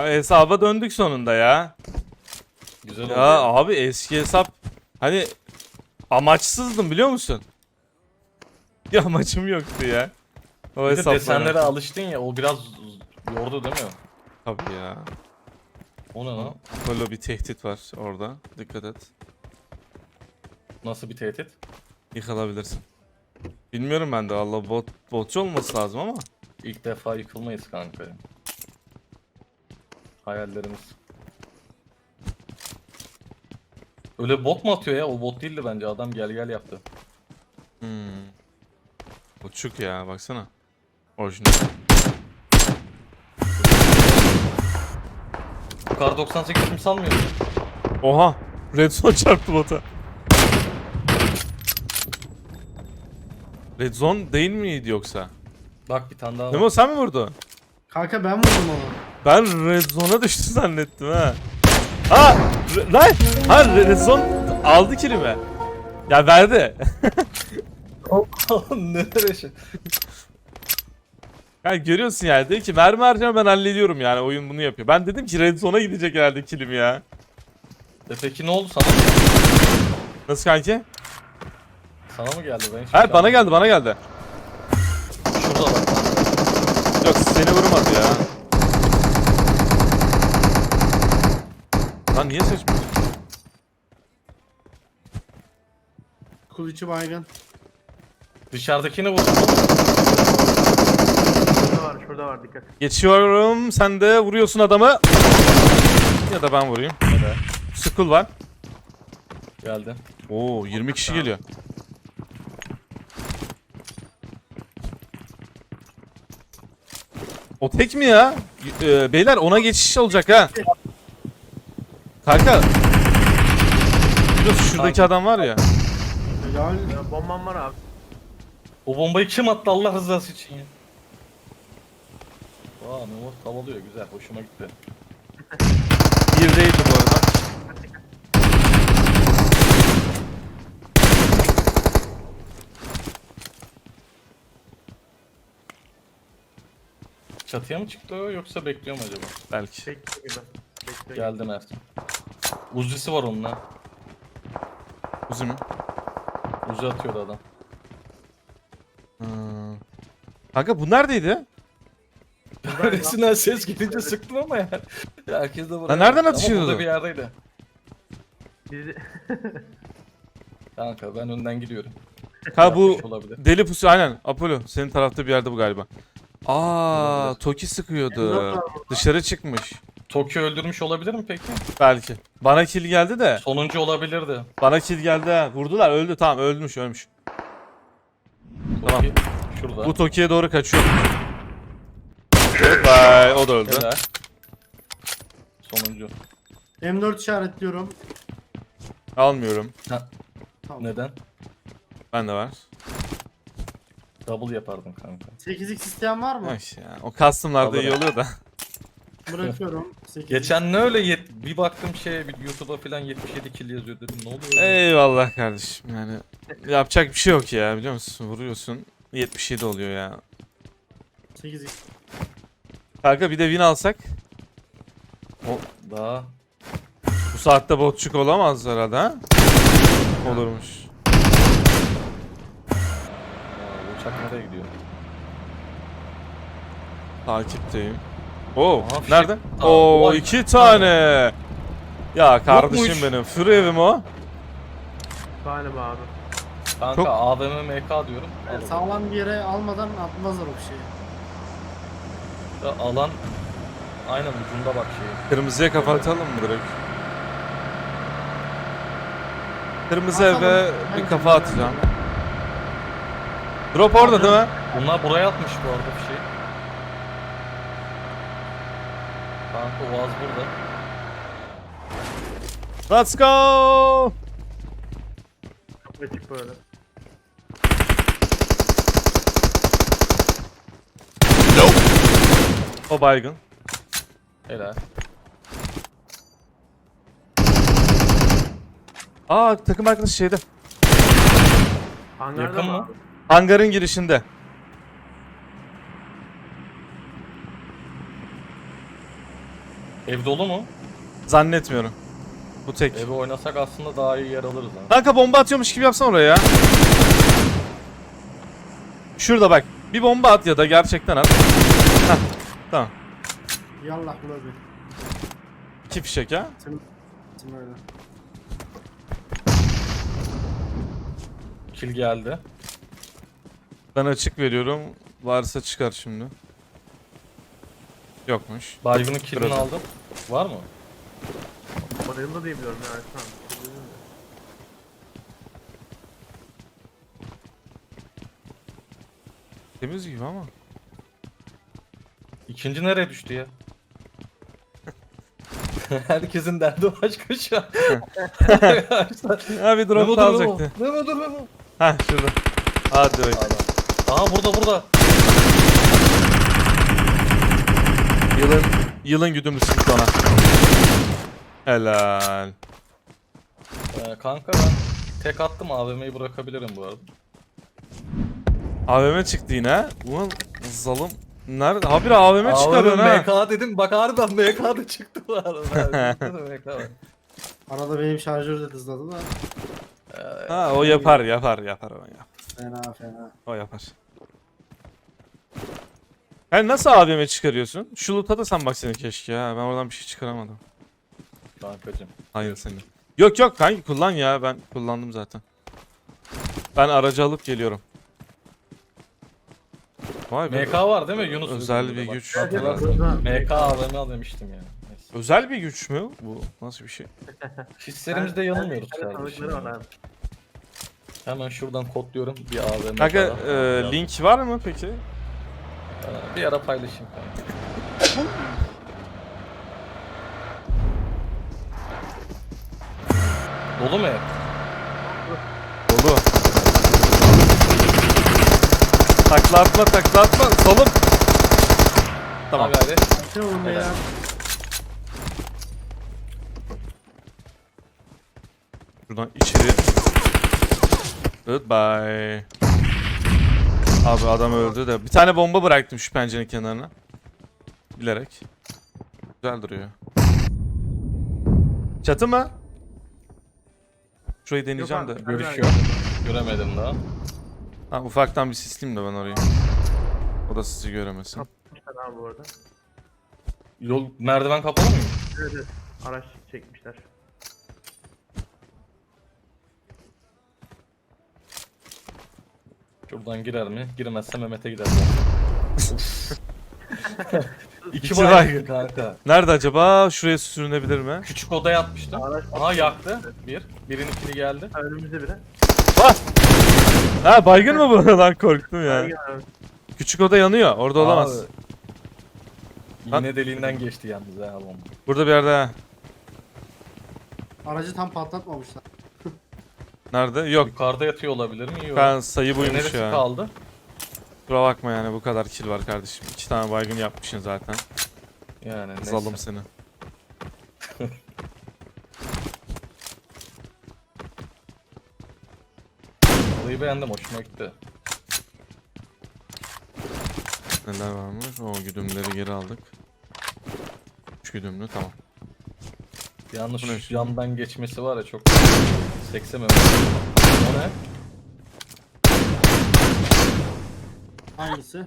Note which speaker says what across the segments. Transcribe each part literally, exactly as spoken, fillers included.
Speaker 1: hesaba döndük sonunda ya.
Speaker 2: Güzel oldu.
Speaker 1: Ya
Speaker 2: Ya.
Speaker 1: abi eski hesap hani amaçsızdım biliyor musun? Bir amacım yoktu ya. O
Speaker 2: Bir de
Speaker 1: hesapla
Speaker 2: desenlere
Speaker 1: oynarken.
Speaker 2: alıştın ya, o biraz yordu değil mi?
Speaker 1: Tabii ya.
Speaker 2: O ne lan?
Speaker 1: Böyle bir tehdit var orada. Dikkat et.
Speaker 2: Nasıl bir tehdit?
Speaker 1: Yıkılabilirsin. Bilmiyorum ben de Allah bot botçu olması lazım ama.
Speaker 2: İlk defa yıkılmayız kanka. Hayallerimiz. Öyle bot mu atıyor ya? O bot değildi bence. Adam gel gel yaptı.
Speaker 1: Hmm. Botçuk ya baksana. Orijinal.
Speaker 2: Kar doksan sekiz kim salmıyor?
Speaker 1: Oha. Redzone çarptı bota. Redzone değil miydi yoksa?
Speaker 2: Bak bir tane daha var.
Speaker 1: Memo sen mi vurdun?
Speaker 3: Kanka ben vurdum onu.
Speaker 1: Ben Redzone'a düştü zannettim ha. Ha! Re- Lan! Ha Redzone aldı kilimi. Ya verdi.
Speaker 2: Nereye şey?
Speaker 1: Yani görüyorsun yani dedi ki mermi harcama ben hallediyorum yani oyun bunu yapıyor. Ben dedim ki Redzone'a gidecek herhalde kilim ya.
Speaker 2: E peki ne oldu sana?
Speaker 1: Nasıl kanki?
Speaker 2: Sana mı geldi? Ben hiç
Speaker 1: Evet bana geldi bana geldi.
Speaker 2: Şurada bak.
Speaker 1: Yok seni vurmadı ya. Lan niye seçmiyorsun?
Speaker 3: Kul içi baygın.
Speaker 2: Dışarıdakini vurdum.
Speaker 4: Şurada var, şurada var dikkat.
Speaker 1: Geçiyorum sen de vuruyorsun adamı. Ya da ben vurayım.
Speaker 2: Hadi.
Speaker 1: Skull var.
Speaker 2: Geldi.
Speaker 1: Oo yirmi kişi geliyor. O tek mi ya? Y- e, beyler ona geçiş olacak ha. Kanka. Biliyorsun şuradaki adam var ya.
Speaker 3: Helal.
Speaker 4: Ya, bombam var abi.
Speaker 2: O bombayı kim attı Allah rızası için ya? Aa Memo tavalıyor güzel hoşuma gitti.
Speaker 1: Bir değildi bu arada.
Speaker 2: Çatıya mı çıktı o yoksa bekliyor mu acaba?
Speaker 1: Belki.
Speaker 4: Bekle gibi. Bekle.
Speaker 2: Geldi Mert. Uzisi var onun ha.
Speaker 1: Uzun.
Speaker 2: Uzi atıyordu adam.
Speaker 1: Hmm. Kanka bu neredeydi?
Speaker 2: Neresinden ses gelince sıktım ama yani. Ya herkes de buraya.
Speaker 1: Lan nereden
Speaker 2: Ama
Speaker 1: atışıyordu?
Speaker 2: burada bir yerdeydi.
Speaker 4: Bizi...
Speaker 2: Kanka ben önden gidiyorum.
Speaker 1: Ha bu
Speaker 2: Yapmış olabilir.
Speaker 1: deli pusu aynen. Apollo senin tarafta bir yerde bu galiba. Aa,
Speaker 2: Olabilir.
Speaker 1: Toki sıkıyordu. Dışarı çıkmış.
Speaker 2: Tokyo öldürmüş olabilir mi peki?
Speaker 1: Belki. Bana kill geldi de.
Speaker 2: Sonuncu olabilirdi.
Speaker 1: Bana kill geldi ha. Vurdular öldü tamam ölmüş ölmüş. Tamam.
Speaker 2: Toki şurada.
Speaker 1: Bu Toki'ye doğru kaçıyor. Bye o da öldü.
Speaker 2: Helal. Sonuncu.
Speaker 3: M dört işaretliyorum.
Speaker 1: Almıyorum.
Speaker 2: Ha,
Speaker 3: Tamam.
Speaker 2: neden?
Speaker 1: Ben de var.
Speaker 2: Double yapardım kanka.
Speaker 3: sekiz x isteyen var mı?
Speaker 1: Ay ya. O custom'larda iyi
Speaker 2: Alırım.
Speaker 1: oluyor da.
Speaker 3: Bırakıyorum. sekiz x.
Speaker 2: Geçen ne öyle yet bir baktım şeye bir YouTube'a falan yetmiş yedi kill yazıyor dedim ne oluyor?
Speaker 1: Eyvallah kardeşim yani. Yapacak bir şey yok ya biliyor musun? Vuruyorsun. yetmiş yedi oluyor ya.
Speaker 3: sekiz x.
Speaker 1: Kanka bir de win alsak.
Speaker 2: Daha
Speaker 1: Bu saatte botçuk olamaz herhalde ha? Olurmuş.
Speaker 2: Aa, bu uçak nereye gidiyor?
Speaker 1: Takipteyim. Oo,
Speaker 2: Aha, fişek-
Speaker 1: nerede?
Speaker 2: Aa,
Speaker 1: Oo,
Speaker 2: vay.
Speaker 1: iki tane. Ya kardeşim
Speaker 2: Yokmuş.
Speaker 1: benim. Free evim o.
Speaker 4: Galiba abi.
Speaker 2: Kanka
Speaker 1: Çok-
Speaker 2: A V M M K diyorum.
Speaker 3: Yani
Speaker 2: Al
Speaker 3: sağlam bir yere almadan atmazlar o şeyi.
Speaker 2: bakalım. Ya alan aynen ucunda bak şey.
Speaker 1: Kırmızıya kapatalım mı direkt? Kırmızı
Speaker 3: Atalım.
Speaker 1: eve bir
Speaker 3: Bence
Speaker 1: kafa
Speaker 3: de,
Speaker 1: atacağım.
Speaker 3: bence de.
Speaker 1: Drop orada değil mi?
Speaker 2: Bunlar buraya atmış bu arada bir şey. Kanka Oğaz burada.
Speaker 1: Let's go!
Speaker 4: Çok açık böyle.
Speaker 1: O baygın.
Speaker 2: Helal.
Speaker 1: Aa takım arkadaşı şeyde.
Speaker 4: Hangarda
Speaker 2: Yakın
Speaker 4: mı
Speaker 2: mı?
Speaker 4: abi?
Speaker 1: Hangarın girişinde.
Speaker 2: Ev dolu mu?
Speaker 1: Zannetmiyorum. Bu tek.
Speaker 2: Evi oynasak aslında daha iyi yer alırız ha.
Speaker 1: Kanka bomba atıyormuş gibi yapsana oraya ya. Şurada bak. Bir bomba at ya da gerçekten at. Heh, tamam.
Speaker 3: Yallah bula bir.
Speaker 1: İki fişek ha.
Speaker 3: Tim, tim öyle.
Speaker 2: Kill geldi.
Speaker 1: Ben açık veriyorum. Varsa çıkar şimdi. Yokmuş.
Speaker 2: Baygın'ın killini
Speaker 1: Biraz.
Speaker 2: aldım. Var mı?
Speaker 4: Bayıldı diye biliyorum ya Ersan.
Speaker 1: Temiz gibi ama.
Speaker 2: İkinci nereye düştü ya? Herkesin derdi başka şu an.
Speaker 1: Ha bir drop
Speaker 2: Memo
Speaker 1: da
Speaker 2: dur Memo.
Speaker 1: alacaktı.
Speaker 2: Memo dur Memo.
Speaker 1: Heh şurada. Hadi bak.
Speaker 2: Adam. Aha burada burada.
Speaker 1: Yılın, yılın güdümlüsü gitti ona. Helal.
Speaker 2: Ee, kanka ben tek attım A V M'yi bırakabilirim bu arada.
Speaker 1: A V M çıktı yine. Ulan zalim. Nerede? Habire A V M çıkarıyorsun ha.
Speaker 2: M K dedim bak harbiden M K da çıktı bu arada. M K var.
Speaker 3: Arada benim şarjör de hızladı da.
Speaker 2: Ee,
Speaker 1: Ha o yapar yapar yapar o ya.
Speaker 3: Fena fena.
Speaker 1: O yapar. Yani nasıl A V M çıkarıyorsun? Şu loot'a da sen bak seni keşke ya. Ben oradan bir şey çıkaramadım.
Speaker 2: Kankacım.
Speaker 1: Hayır senin. Yok yok kanki kullan ya. Ben kullandım zaten. Ben aracı alıp geliyorum. Vay be.
Speaker 2: M K var değil mi Yunus?
Speaker 1: Özel
Speaker 2: Üzerinde
Speaker 1: bir
Speaker 2: bak.
Speaker 1: güç.
Speaker 2: Hatırlarsın. M K A V M al demiştim yani. Neyse.
Speaker 1: Özel bir güç mü? Bu nasıl bir şey?
Speaker 2: Hislerimizde yanılmıyoruz
Speaker 4: Ben- ben
Speaker 2: kardeşim.
Speaker 4: tanıdıkları var abi.
Speaker 2: Hemen şuradan kodluyorum bir A V M.
Speaker 1: Kanka
Speaker 2: falan.
Speaker 1: e, link var mı peki?
Speaker 2: Ee, Bir ara paylaşayım kanka. Dolu mu ev?
Speaker 1: Dolu. Takla atma takla atma. Solum. Tamam.
Speaker 2: Ha gayret.
Speaker 3: Ne oğlum be ya?
Speaker 1: Şuradan içeri. Goodbye. Abi adam öldü de. Bir tane bomba bıraktım şu pencerenin kenarına. Bilerek. Güzel duruyor. Çatı mı? Şurayı deneyeceğim de.
Speaker 4: abi.
Speaker 2: Görüş yok. Göremedim daha.
Speaker 1: Ha, ufaktan bir sisleyeyim de ben orayı. O da sizi göremesin.
Speaker 4: Kapmışlar abi bu arada.
Speaker 2: Yol merdiven kapalı mı?
Speaker 4: Evet evet. Araç çekmişler.
Speaker 2: Şuradan girer mi? Girmezse Mehmet'e gider. İki
Speaker 1: İki
Speaker 2: baygın kanka.
Speaker 1: Nerede acaba? Şuraya sürünebilir mi?
Speaker 2: Küçük odaya atmıştım.
Speaker 4: Araç
Speaker 2: Aha yaktı. Bir. Birin ikili geldi.
Speaker 4: önümüzde biri.
Speaker 1: Ha baygın mı bu? Lan korktum ya.
Speaker 4: Ergen abi.
Speaker 1: Küçük oda yanıyor. Orada olamaz.
Speaker 2: Abi, İğne deliğinden geçti yalnız ha bomba.
Speaker 1: Burada bir yerde ha.
Speaker 3: Aracı tam patlatmamışlar.
Speaker 1: Nerede? Yok.
Speaker 2: Yukarıda yatıyor olabilir mi? Yok.
Speaker 1: Ben sayı buymuş
Speaker 2: Neresi
Speaker 1: ya.
Speaker 2: kaldı?
Speaker 1: Kusura bakma yani bu kadar kill var kardeşim. İki tane baygın yapmışsın zaten.
Speaker 2: Yani neyse.
Speaker 1: Zalim seni.
Speaker 2: Olayı beğendim, hoşuma gitti.
Speaker 1: Neler varmış? O güdümleri geri aldık. Üç güdümlü tamam.
Speaker 2: Yalnız
Speaker 1: Bu ne
Speaker 2: şu
Speaker 1: şimdi?
Speaker 2: yandan geçmesi var ya çok seksemem. O ne?
Speaker 3: Hangisi?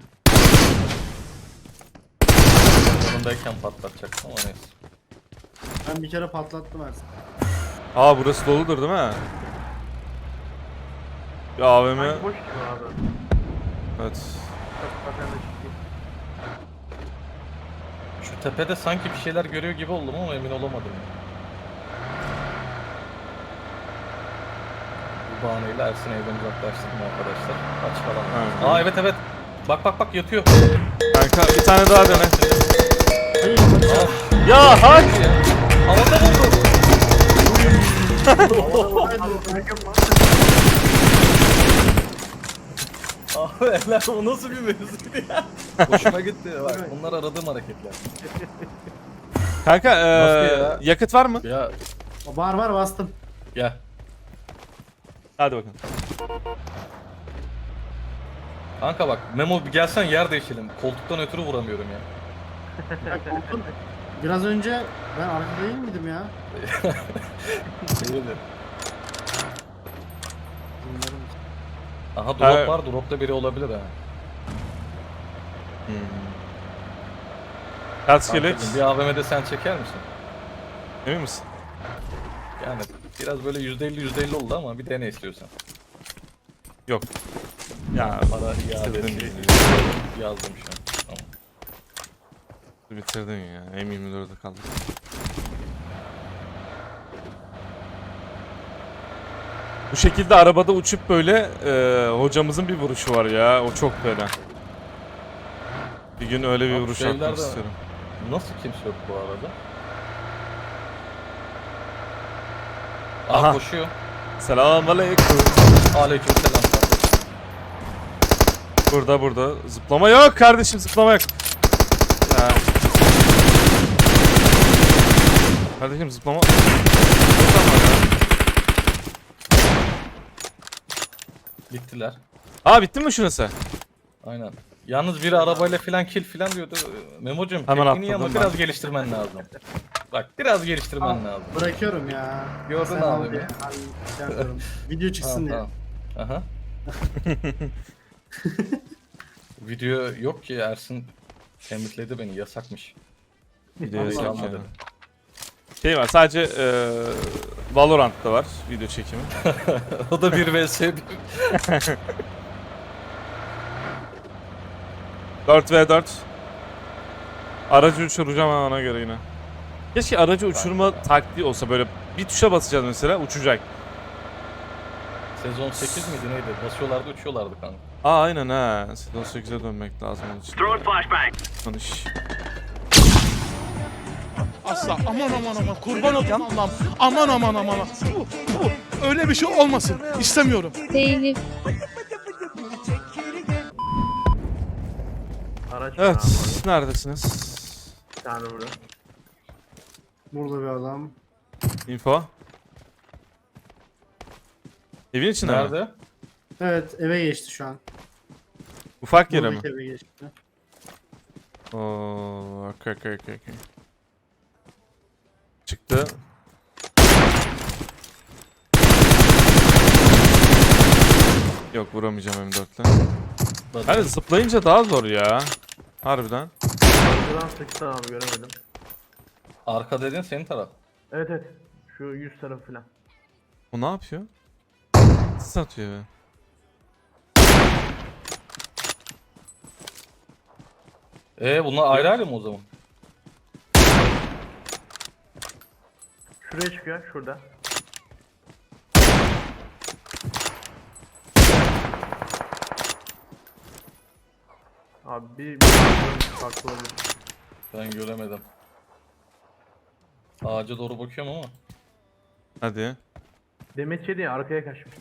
Speaker 2: Yanındayken patlatacaktım ama neyse.
Speaker 3: Ben bir kere patlattım Ersin.
Speaker 1: Aa burası doludur değil mi? Bir A V M.
Speaker 4: Sanki boş gibi abi.
Speaker 1: Evet.
Speaker 4: Çok zaten de çıkıyor.
Speaker 2: Şu tepede sanki bir şeyler görüyor gibi oldum ama emin olamadım. Bu bahaneyle Ersin evden uzaklaştırdım arkadaşlar. Aç falan.
Speaker 1: Evet.
Speaker 2: Aa evet evet. Bak bak bak yatıyor.
Speaker 1: Kanka bir tane daha dene.
Speaker 3: Hayır,
Speaker 2: Aa,
Speaker 1: Ya hak!
Speaker 2: havada buldu. Abi eller o nasıl bir mevzuydu ya? Hoşuma gitti bak. Bunlar aradığım hareketler.
Speaker 1: Kanka
Speaker 2: Nasıl
Speaker 1: eee
Speaker 2: ya?
Speaker 1: yakıt var mı?
Speaker 2: Ya
Speaker 3: Var var bastım.
Speaker 2: gel.
Speaker 1: Hadi bakalım.
Speaker 2: Kanka bak Memo bir gelsen yer değişelim. Koltuktan ötürü vuramıyorum ya.
Speaker 3: Ya koltuğun, Biraz önce ben arkada değil miydim ya?
Speaker 2: Öyle.
Speaker 3: Bilmiyorum.
Speaker 2: Aha drop
Speaker 1: Ha.
Speaker 2: var. Dropta biri olabilir ha.
Speaker 1: Hmm. Kaç kelek?
Speaker 2: Kankacığım, bir A V M'de sen çeker misin?
Speaker 1: Emin misin?
Speaker 2: Yani biraz böyle yüzde elli yüzde elli oldu ama bir dene istiyorsan.
Speaker 1: Yok. Ya
Speaker 2: Para
Speaker 1: bitirdin
Speaker 2: iadesi
Speaker 1: ya.
Speaker 2: yazdım şu an. Tamam.
Speaker 1: Bitirdin ya. M yirmi dörde kaldık. Bu şekilde arabada uçup böyle e, hocamızın bir vuruşu var ya. O çok fena. Bir gün öyle bir
Speaker 2: Abi
Speaker 1: vuruş
Speaker 2: şeyler
Speaker 1: atmak
Speaker 2: de-
Speaker 1: istiyorum.
Speaker 2: Nasıl kimse yok bu arada?
Speaker 1: Aha.
Speaker 2: Aha koşuyor.
Speaker 1: Selamünaleyküm.
Speaker 2: Aleykümselam.
Speaker 1: Burada burada. Zıplama yok kardeşim, zıplama yok. Ya. Kardeşim zıplama. Yok ama ya.
Speaker 2: Gittiler.
Speaker 1: Aa bitti mi şurası?
Speaker 2: Aynen. Yalnız biri arabayla filan kill filan diyordu. Memo'cum
Speaker 1: Hemen
Speaker 2: tekniği ama
Speaker 1: atladım
Speaker 2: biraz
Speaker 1: ben.
Speaker 2: geliştirmen lazım. Bak biraz geliştirmen
Speaker 3: Al,
Speaker 2: lazım.
Speaker 3: Bırakıyorum ya.
Speaker 2: Gördün
Speaker 3: Sen
Speaker 2: abi
Speaker 3: al
Speaker 2: mi?
Speaker 3: diye. Hani şey yapıyorum. Video çıksın diye.
Speaker 2: Tamam, tamam. Aha. Video yok ki Ersin tembihledi beni yasakmış.
Speaker 1: Video yasak
Speaker 2: Tamam,
Speaker 1: yani.
Speaker 2: dedi.
Speaker 1: Şey var sadece e, Valorant'ta var video çekimi.
Speaker 2: O da bir vs bir.
Speaker 1: dört ve dört. Aracı uçuracağım ben ona göre yine. Keşke aracı uçurma taktiği olsa, böyle bir tuşa basacağız mesela uçacak.
Speaker 2: Sezon sekiz miydi neydi? Basıyorlardı uçuyorlardı kanka.
Speaker 1: Aa aynen ha. Sezon sekize dönmek lazım onun için.
Speaker 5: Throwing flashbang.
Speaker 1: Konuş.
Speaker 6: Asla aman aman aman kurban olayım Allah'ım aman aman aman Bu, bu, öyle bir şey olmasın istemiyorum.
Speaker 7: Değil.
Speaker 4: Araç var
Speaker 1: Evet,
Speaker 4: abi orada.
Speaker 1: neredesiniz?
Speaker 4: Bir tane burada.
Speaker 3: Burada bir adam.
Speaker 1: Info. Evin içinde mi?
Speaker 2: Nerede?
Speaker 3: Evet eve geçti şu an.
Speaker 1: Ufak yere mi?
Speaker 3: Buradaki eve geçti.
Speaker 1: Oo, okey okey okey. okey. Çıktı. Yok vuramayacağım M dörtle. Hani zıplayınca daha zor ya. Harbiden.
Speaker 4: Arkadan sıktı abi göremedim.
Speaker 2: Arka dedin senin taraf.
Speaker 4: Evet evet. Şu yüz tarafı falan.
Speaker 1: O ne yapıyor? Sis atıyor be.
Speaker 2: Ee bunlar ayrı ayrı mı o zaman?
Speaker 4: Şuraya çıkıyor şurada. Abi bir, bir farklı olabilir.
Speaker 2: Ben göremedim. Ağaca doğru bakıyorum ama.
Speaker 1: Hadi.
Speaker 4: Demet yedi ya arkaya kaçmış.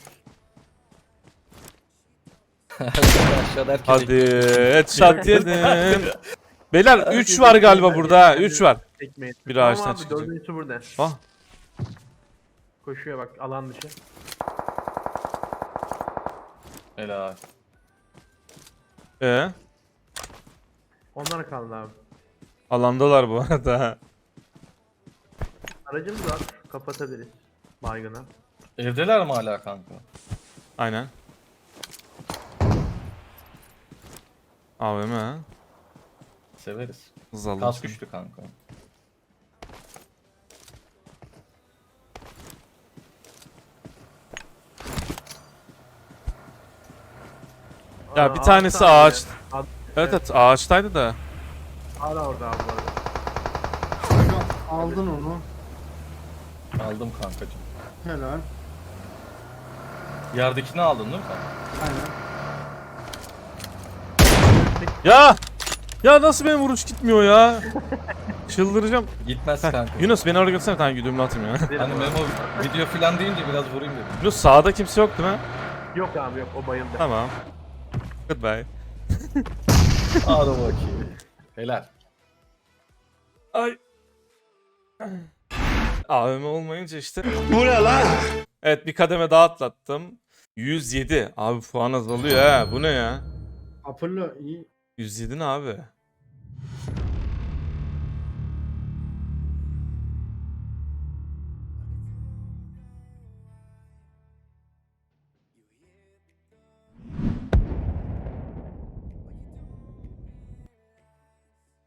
Speaker 2: Aşağıda herkes
Speaker 1: Hadi. Headshot yedim. Beyler üç var galiba burada. üç var.
Speaker 4: Tekmeyi.
Speaker 1: Bir
Speaker 4: Tamam
Speaker 1: ağaçtan
Speaker 4: abi,
Speaker 1: çıkacak.
Speaker 4: Dördüncüsü burada.
Speaker 1: Ah.
Speaker 4: Koşuyor bak alan dışı.
Speaker 2: Helal.
Speaker 1: Ee,
Speaker 4: Onlar kaldı abi.
Speaker 1: alandalar bu arada.
Speaker 4: Aracımız var. Kapatabiliriz. Baygına.
Speaker 2: Evdeler mi hala kanka?
Speaker 1: Aynen. A V M ha.
Speaker 2: Severiz.
Speaker 1: Hız aldım.
Speaker 2: Kas güçlü kanka.
Speaker 1: Ya
Speaker 4: Aa,
Speaker 1: bir tanesi
Speaker 4: ağaçta
Speaker 1: ağaç.
Speaker 4: abi.
Speaker 1: Evet evet ağaçtaydı da.
Speaker 4: Hala orada abi bu arada.
Speaker 3: Aldın onu.
Speaker 2: Aldım kankacığım.
Speaker 3: Helal.
Speaker 2: Yerdekini aldın değil mi sen?
Speaker 3: Aynen.
Speaker 1: Ya! Ya nasıl benim vuruş gitmiyor ya? Çıldıracağım.
Speaker 2: Gitmez
Speaker 1: Heh,
Speaker 2: kanka.
Speaker 1: Yunus beni oraya götürsene, bir tane güdümlü atayım ya.
Speaker 2: Hani Memo video filan deyince biraz vurayım dedim.
Speaker 1: Yunus sağda kimse yok değil mi?
Speaker 4: Yok abi yok o bayıldı.
Speaker 1: Tamam. Goodbye.
Speaker 2: Hadi bakayım. Helal.
Speaker 1: Ay. A V M olmayınca işte. Bu ne lan? Evet bir kademe daha atlattım. yüz yedi. Abi puan azalıyor ha. Bu ne ya?
Speaker 3: Apollo iyi.
Speaker 1: yüz yedi ne abi?